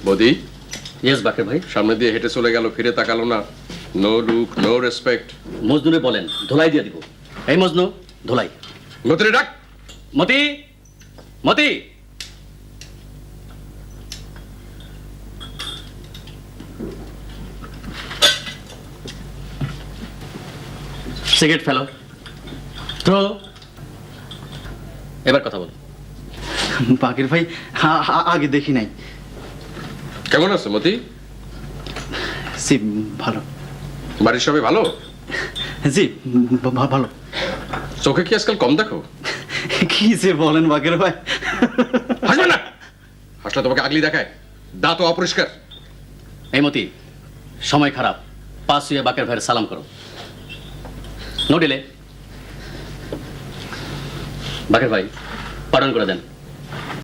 বদি yes বাকের ভাই। সামনে দিয়ে হেঁটে চলে গেল, ফিরে তাকালো না। No look, no respect. মজনুরে বলেন ধোলাই দিয়ে দিব। এই মজনু, ধোলাই। মতিরে ডাক। মতি, মতি। সিগারেট ফেলো, থ্রো। এবার কথা বল। বাকের ভাই আগে দেখি নাই। কেমন আছো মতি? জি ভালো। বাড়ির সবাই ভালো? জি ভালো। চোখে কি আজকাল কম দেখো? কি যে বলেন বাকের ভাই। হাসবে না, হাসলে তোমাকে আগলি দেখায়। দাঁত অপরিষ্কার। এই মতি, সময় খারাপ, পাশ হয়ে বাকের ভাইয়ের সালাম করো। No delay. বাকের ভাই পালন করে দেন।